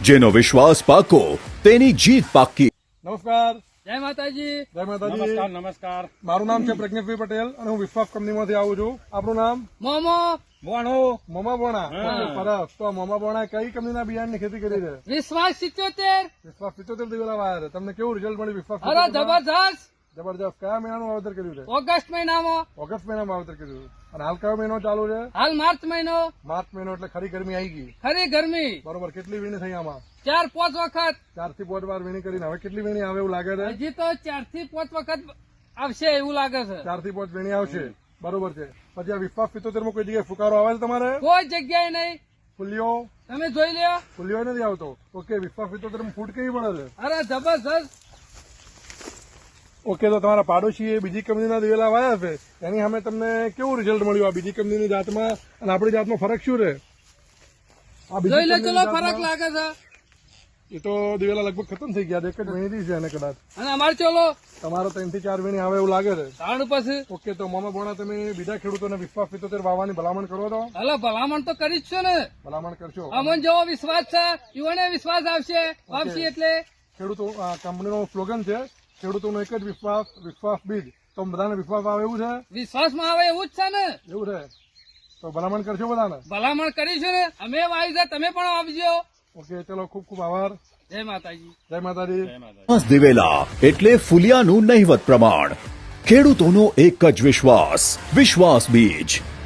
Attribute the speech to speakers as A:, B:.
A: જેનો વિશ્વાસ પાકો તેની જીત પાકી.
B: નમસ્કાર.
C: જય માતાજી.
B: જય માતાજી.
D: નમસ્કાર નમસ્કાર.
B: મારું નામ છે પ્રજ્ઞેશભાઈ પટેલ અને હું વિશ્વાસ કંપનીમાંથી આવું છું. આપણું નામ
C: મોમો
D: મોણો
B: મોમા બોણા. સરસ. તો મોમા બોણા કઈ કંપનીના બિયારણની ખેતી કરી છે?
C: વિશ્વાસ 77.
B: વિશ્વાસ 75 દિવેલા વાયા છે. તમને કેવું રિઝલ્ટ મળ્યું વિશ્વાસ
C: અરે
B: 75 માં?
C: જબરજસ્ત.
B: જબરજસ્ત. કયા મહિનાનું વાવેતર કર્યું છે?
C: ઓગસ્ટ મહિનામાં.
B: ઓગસ્ટ મહિનામાં વાવેતર કર્યું છે. અને હાલ કયો મહિનો ચાલુ છે?
C: હાલ માર્ચ મહિનો.
B: માર્ચ મહિનો એટલે ખરી ગરમી આવી ગઈ.
C: ખરી ગરમી.
B: બરોબર. કેટલી વીણી થઈ આમાં?
C: 4-5 વખત.
B: 4 થી 5 વાર વીણી કરીને હવે કેટલી વીણી આવે એવું લાગે છે?
C: હજી તો 4 થી 5 વખત આવશે એવું લાગે છે.
B: 4 થી 5 વીણી આવશે. બરોબર છે. પછી આ વિશ્વાસ 75 માં કોઈ જગ્યાએ ફુકારો આવે છે તમારે?
C: કોઈ જગ્યાએ નહીં.
B: ફૂલિયો
C: તમે જોઈ લ્યો.
B: ફૂલિયો નથી આવતો. ઓકે. વિશ્વાસ 75 માં ફૂટ કેવી મળે છે?
C: અરે જબરજસ્ત.
B: ઓકે. તો તમારા પાડોશીએ બીજી કંપનીના દિવેલા વાયા છે એની સામે તમને કેવું રિઝલ્ટ મળ્યું આ બીજી કંપનીની જાતમાં અને આપણી જાતમાં ફરક શું છે? આ બીજી
C: જોઈ લો
B: કંપનીની
C: ચલો
B: જાતમાં
C: ફરક લાગે છે.
B: એ તો દિવેલા લગભગ ખતમ થઈ ગયા. એક જ વીણી છે એને કદાચ.
C: અને અમારે ચલો
B: તમારો 3 થી 4 વીણી આવે એવું લાગે છે.
C: તાણ પછી
B: ઓકે. તો મોમા બોણા તમે બીજા ખેડૂતોને વિશ્વાસ 75 વાવવાની ભલામણ કરો તો?
C: હલો ભલામણ તો કરી જ છો ને.
B: ભલામણ કરશો?
C: અમન જેવો વિશ્વાસ છે યુવાને વિશ્વાસ આવશે વાપસી એટલે
B: ખેડૂતો આ કંપનીનો સ્લોગન છે ખેડૂતોનો એક જ વિશ્વાસ, વિશ્વાસ બીજ. તો બધાને વિશ્વાસ આવે એવું છે?
C: વિશ્વાસમાં આવે એવું જ છે ને.
B: એવું છે. તો ભલામણ કરશો બધાને?
C: ભલામણ કરીશું ને. અમે આવી જાય તમે પણ આવજો.
B: ઓકે. ચલો. ખૂબ ખૂબ આભાર.
C: જય માતાજી.
B: જય માતાજી.
A: વિશ્વાસ દિવેલા એટલે ફુલિયાનું નહિવત પ્રમાણ. ખેડૂતોનો એક જ વિશ્વાસ, વિશ્વાસ બીજ.